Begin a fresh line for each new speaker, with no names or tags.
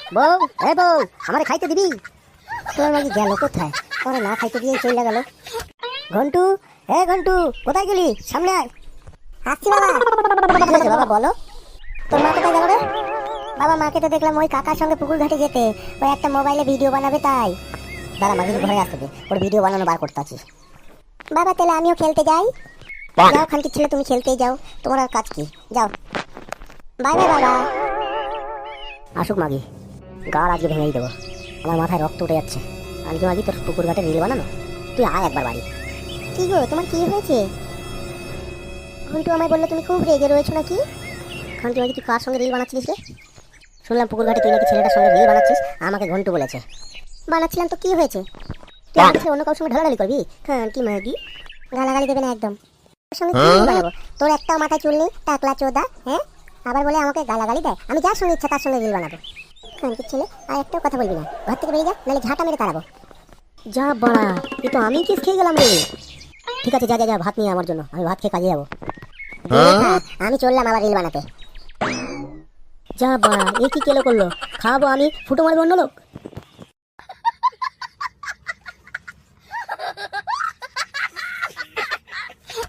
বউ, এ বউ, আমারে খাইতে দিবি? তোর মাঝে গেল কোথায়? তোরা না খাইতে দিয়ে চলে গেল। ঘন্টু, এ ঘন্টু, কোথায় গেলি? সামনে আয়। আসছি বাবা। কি হয়েছে বাবা, বলো। তোর মা কোথায় গেল রে? বাবা, মাকে তো দেখলাম ওই কাকার সঙ্গে পুকুর ঘাটে যেতে। ওই একটা মোবাইলে ভিডিও বানাবে তাই। দাদা, মাকে ঘরে আসতে দে, ওর ভিডিও বানানো বার করতে আছি। বাবা, তাহলে আমিও খেলতে যাই। যাও খানকির ছেলে, তুমি খেলতেই যাও, তোমার আর কাজ কি, যাও। বাই বাই বাবা। আসুক মাগি, গাল আজকে ভেঙেই দেবো। আমার মাথায় রক্ত উঠে যাচ্ছে। আজকে মাগি তোর পুকুর ঘাটে রিল বানানো, তুই আয় একবার বাড়ি। কি গো, তোমার কি হয়েছে? ঘন্টু আমায় বললো তুমি খুব রেগে রয়েছো নাকি? খানকি মাগি, তুই কার সঙ্গে রিল বানাচ্ছিস রে? শুনলাম পুকুর ঘাটে তুই নাকি ছেলেটার সঙ্গে রিল বানাচ্ছিস, আমাকে ঘন্টু বলেছে। বানাচ্ছিলাম তো কি হয়েছে? তুই আমার কাছে অন্য কারোর সঙ্গে ঢালাঢালি করবি? খানকি মাগি, গালাগালি দেবে না একদম। তোর সঙ্গে কি রিল বানাবো? তোর একটা মাথায় চুল নেই, টাকলা চোদা, হ্যাঁ? আবার বলে আমাকে গালাগালি দেয়। আমি যার সঙ্গে ইচ্ছা তার সঙ্গে রিল বানাবো। খানকির ছেলে, আর একটাও কথা বলবি না, ঘর থেকে বেরিয়ে যা, নাহলে ঝাঁটা মেরে তাড়াবো। যা বাড়া, এ তো আমি কেস খেয়ে গেলাম রে। ঠিক আছে, যা যা যা, ভাত নিয়ে আমার জন্য, আমি ভাত খেয়ে কাজে যাবো। আমি চললাম আবার রিল বানাতে। যা বাড়া, এ কি কেলো করলো? খাবো আমি, ফুটো মারবে অন্য লোক।